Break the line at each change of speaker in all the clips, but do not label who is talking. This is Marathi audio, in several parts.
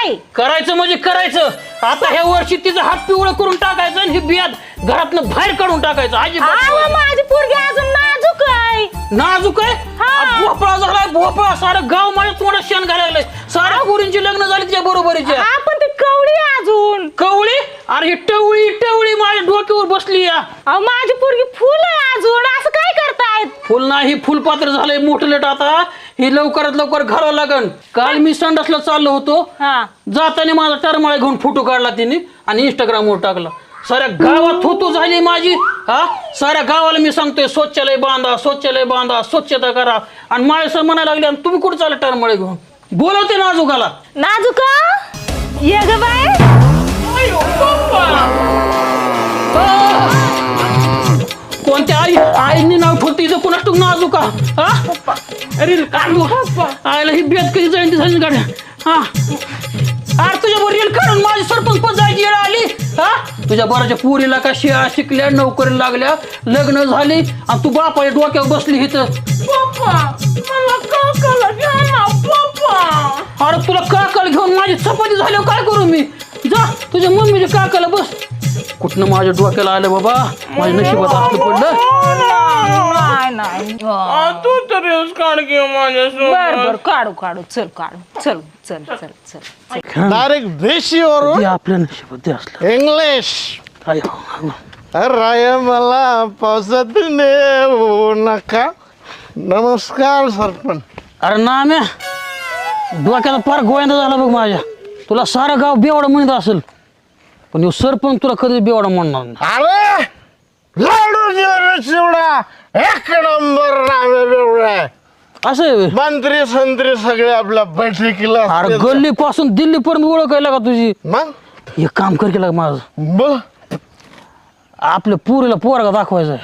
नाही
करायचं म्हणजे करायचं. आता ह्या वर्षी तिचा हात पिवळं करून टाकायचं आणि ही बियात घरातनं बाहेर काढून टाकायचं.
अहो, माझी पोरगी अजून नाजूक आहे.
नाजूक आहे. भोपळा झालाय भोपळा. सारं गाव माझ्या तोंडात शेण घालायला लागलंय. साऱ्या गुरींची लग्न झाली तिच्या बरोबरीच्या.
आपण ती कवळी अजून.
कवळी? अरे ही टवळी टवळी माझ्या डोक्यावर बसली या.
अहो, माझी पोरगी फुल आहे अजून. असं काय करतायत?
फुल नाही फुलपात्र झालंय मोठं लेट. आता ही लवकरात लवकर घालावं लागन. काल मी संडासला चाललो होतो. जाताना माझा टरमाळा घेऊन फोटो काढला तिने आणि इंस्टाग्रामवर टाकला. साऱ्या गावात थुतू झाली माझी. साऱ्या गावाला मी सांगतोय शौचालय बांधा शौचालय बांधा स्वच्छता करा. आणि माळे सर म्हणायला लागले आणि तुम्ही कुठे चालले टरमाळे घेऊन. बोलवते नाजूकाला.
नाजूका ये ग बाय.
कोणत्या आईने नाव ठेवते इथं कुणास तू नाजूका. अरे आईला ही बेत कधी जाईन झाली गाड्या. अरे तुझ्या बरोबर रेल काढून माझी सरपंच पण जायची येळ आली. तुझ्या बराच्या पुरीला का शिया शिकल्या नोकरी लागल्या लग्न झाली आणि तू बापाच्या डोक्यावर बसली इथं. अरे तुला काकाला घेऊन माझी चपाती झाल्यावर काय करू मी. जा तुझ्या मम्मीच्या काकाला बस. कुठनं माझ्या डोक्याला आलं बाबा. माझ्या नशिबात असलं पडलं.
नाही
तू तर काढ घेऊ
बर काढू काढू. चल काढू. चल चल चल चल.
डायरेक्ट देशीवरून
आपल्या नशिबात असलं.
इंग्लिश. अरे मला पावसात नेऊ नका. नमस्कार सरपंच.
अरे ना म्या डोक्याचा फार गोविंदा झाला बघ माझ्या. तुला सारं गाव बेवडा म्हणत असेल पण सरपंच तुला कधी बेवडा म्हणणार नाही.
अरे लाडू चिवडा एक नंबर नावे बेवडा.
असं आहे.
मंत्री संत्री सगळे आपल्या बैठकीला.
अरे गल्ली पासून दिल्ली पर्यंत ओळखायला का तुझी.
मग
एक काम कर केलं माझं.
बोल.
आपल्या पुरीला पोरगा दाखवायचा.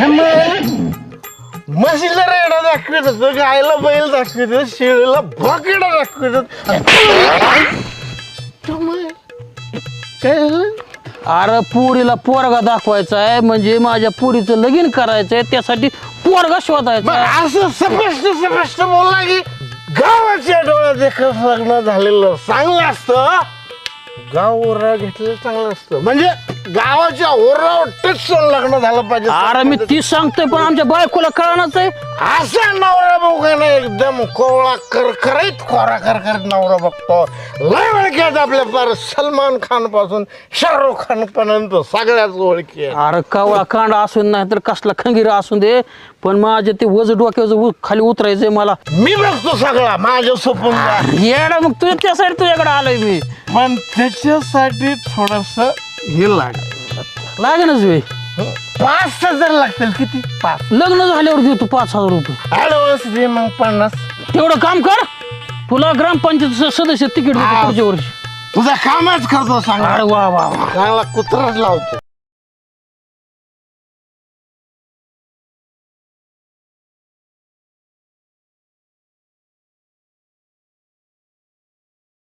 म्हशीला रेडा दाखवित होतं गायला बैल दाखवित होतं शेळीला बकेडा दाखवित होतं. काय झालं.
अरे पुरीला पोरगा दाखवायचा आहे म्हणजे माझ्या पुरीचं लगीन करायचंय त्यासाठी पोरगा शोधायचा.
असं स्पष्ट बोलला की गावाच्या डोळ्यात एकच लग्न झालेलं चांगलं असतं. गाव ओरा घेतलेलं चांगलं असतं. म्हणजे गावाच्या ओरावर टचून लग्न झालं पाहिजे.
अरे मी तीच सांगतोय पण आमच्या बायकोला कळणारच आहे.
असा नवरा बघायला एकदम कोवळा करकरीत खोरा करकरीत नवरा बघतो. लय ओळखीत आपल्या पार सलमान खान पासून शाहरुख खान पर्यंत सगळ्याच ओळखी.
अरे कावळा कांडा असून नाही तर कसला खंगीरा असून दे पण माझे ते वज डोक्याचं खाली उतरायचंय मला.
मी बघतो सगळा माझ्या सोपून.
येडा मग तुझ्या त्यासाठी तुझ्याकडे आलोय मी.
पण त्याच्यासाठी थोडस हे
लागेनच वे.
5,000 लागतील. किती? 5.
लग्न झाल्यावर देतो 5,000 रुपये.
ऍडव्हान्स दे मग 50.
तेवढं काम कर. तुला ग्रामपंचायत सदस्य तिकीट देतो पुढच्या वर्षी.
तुझा कामच करतो सांग.
अरे वा वा वा.
चांगला कुत्राच लावतो.